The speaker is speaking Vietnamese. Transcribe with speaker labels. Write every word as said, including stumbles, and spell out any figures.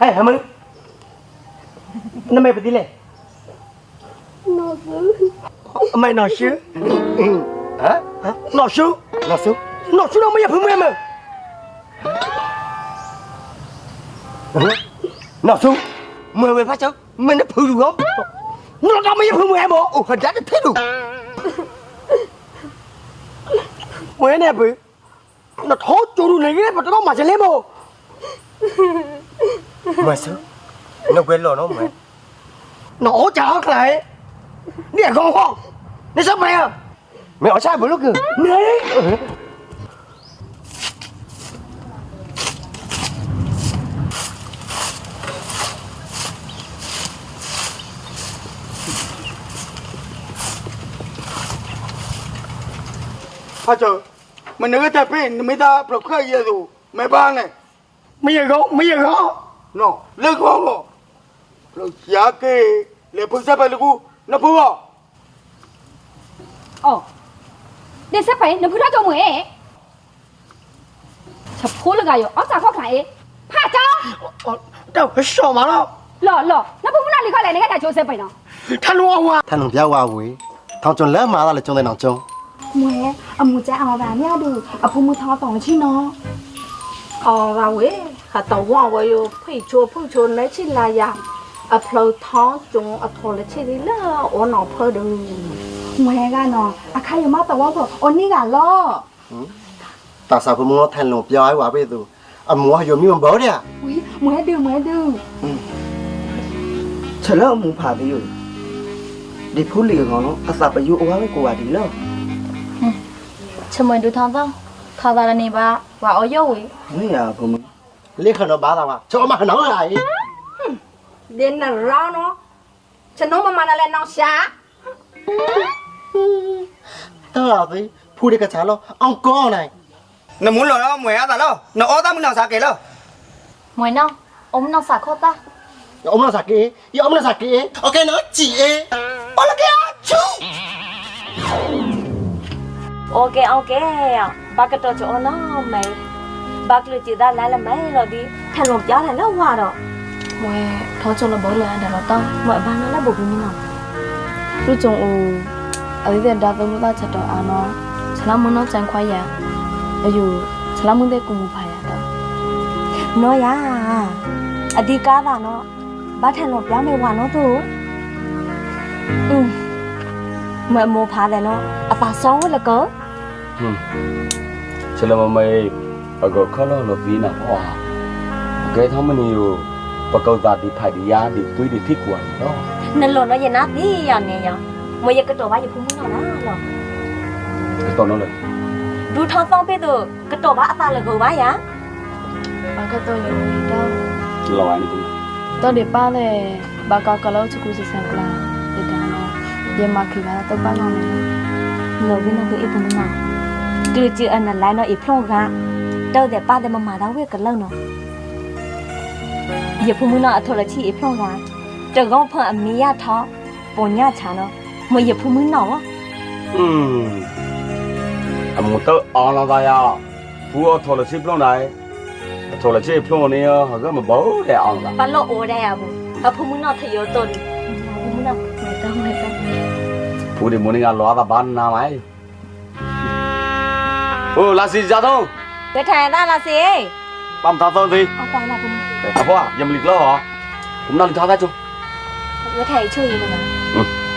Speaker 1: 哎，还没，那没不对嘞。
Speaker 2: 老师，
Speaker 1: 没老师，
Speaker 3: 嗯，啊
Speaker 1: 啊，老师，
Speaker 3: 老叔，
Speaker 1: 老师那没也碰没没。
Speaker 3: 嗯，老叔，没没发生，没那碰住我，
Speaker 1: 那他们也碰没么？
Speaker 3: 哦，还真的碰住。
Speaker 1: 我那不，那他走路那个不知道马上来么？
Speaker 3: mà sao nó quên rồi nó mày
Speaker 1: nó chả lại đi à con con đi sắp về à
Speaker 3: mày ở sai bữa lúc kìa
Speaker 1: này
Speaker 4: à trời mình đừng có chặt đi mình ta bật khai gì rồi mày ba này
Speaker 1: bây giờ con bây giờ con
Speaker 4: nó lên con rồi rồi giá cái để phương sát phải được nó phương à
Speaker 2: 어, 내 세파에 너 불러 좀 해. 저 포를 가요. 어디서 거기 파죠?
Speaker 1: đâu cái sò mà đâu
Speaker 2: 러, 러. 나 부모님 리 가래 내가 다 줘서 봐요.
Speaker 1: thanh hoa hoa
Speaker 3: thằng thằng béo hoa quỷ thằng chọn lớn mà là chọn đây nào chọn
Speaker 2: 뭐해? 아 무자 아 와냐도 아 부모 다 동치 너.
Speaker 5: ờ và quế hà tàu hoa vậy phải chua phải chua lấy chỉ là ya à phơi tháo chúng à thò lấy chỉ đi là ở nào phơi được
Speaker 2: 뭐해가 너. 아 가요 맞다 와서 언니가 러.
Speaker 3: tại sao phụ nó thành lồng béo ấy quá bây giờ à mua hay dùng như bớt đi à
Speaker 2: 우리 뭐해 들 뭐해 들.
Speaker 1: chờ lỡ muốn phá đi rồi đi phun lì ngon nó à sao phải yêu quá với cô à đi lỡ
Speaker 5: cho mình được thằng không thằng ta là này ba và ở dâu ấy
Speaker 1: mấy à phụ mình
Speaker 3: lấy khăn nó bá tao à cho mà nó lại
Speaker 5: đến là rau nó cho nó mà mà là lên nó xá
Speaker 3: tao là gì phụ đi cái chả lo ông con này
Speaker 4: nó muốn rồi nó mày ăn rồi nó ở tao muốn nào sao kể đâu
Speaker 5: mày nó ông nó xả khô ta
Speaker 3: ông là sạc kỹ ông là sạc kỹ ok nói chị ấy ông là kia chú
Speaker 5: ok ok ba cái trò chỗ nó mày ba cái chị ta lại là mấy rồi đi thành một gió thành nó hoa rồi mày thôi cho nó bỏ lại để nó to mọi ba nó là bụng như nào
Speaker 6: lúc trong u ở đây đã tôi muốn ta chặt đầu ăn nó chả lắm muốn nó chẳng khoái ya ở dù chả lắm muốn để cùng một phải đó
Speaker 5: nó ya à đi cá vào nó ba thành một gió mày hoa nó thôi ừ mày mua phá để nó à phá xấu là cớ
Speaker 7: cho nên mà mày ở góc khó lo là vì nào hoa cái thằng mình nhiều và câu ta đi phải đi giá đi túi đi thích quần đó
Speaker 5: nên lo nó giờ nát đi giờ này giờ mày giờ cái đồ ba giờ không muốn nào đó rồi
Speaker 7: cái con nóเลย
Speaker 5: ดูทองฟองไปดูกระโดดบ้าตาเลยกูบ้าya
Speaker 6: bà cái tôi nhiều gì đâu
Speaker 7: lo anh cũng
Speaker 6: tôi để ba này bà có cái lâu chụp cái sáng là để đó nó giờ mà khi bà tôi ba năm
Speaker 5: người bên nó cứ ít phần nào từ chữ anh là lại nó ít phong gà đâu để ba để mà mà đau với cái lâu nó giờ phụ nữ nó thôi là chỉ ít phong gà chờ gom phần anh mi ya thọ bốn ya chả nó mà giờ phụ nữ nó
Speaker 7: ừ à một tớ on là vậy à phụ ở thôi là xếp luôn này thôi là xếp luôn này họ cứ mà bố để on là
Speaker 5: ba lô ô đây à bố à phụ nữ nó thấy yếu tồn phụ nữ nó người ta người ta
Speaker 7: phụ thì muốn đi ăn lo ta bán nào ấy ừ là gì ra thôi
Speaker 5: cái thằng ta là gì
Speaker 7: băm thao thôi gì
Speaker 5: ông ta là phụ
Speaker 7: à phụ à dầm lịch lo hả cũng đang thao ra chưa
Speaker 5: cái thằng chơi gì mà
Speaker 7: ừ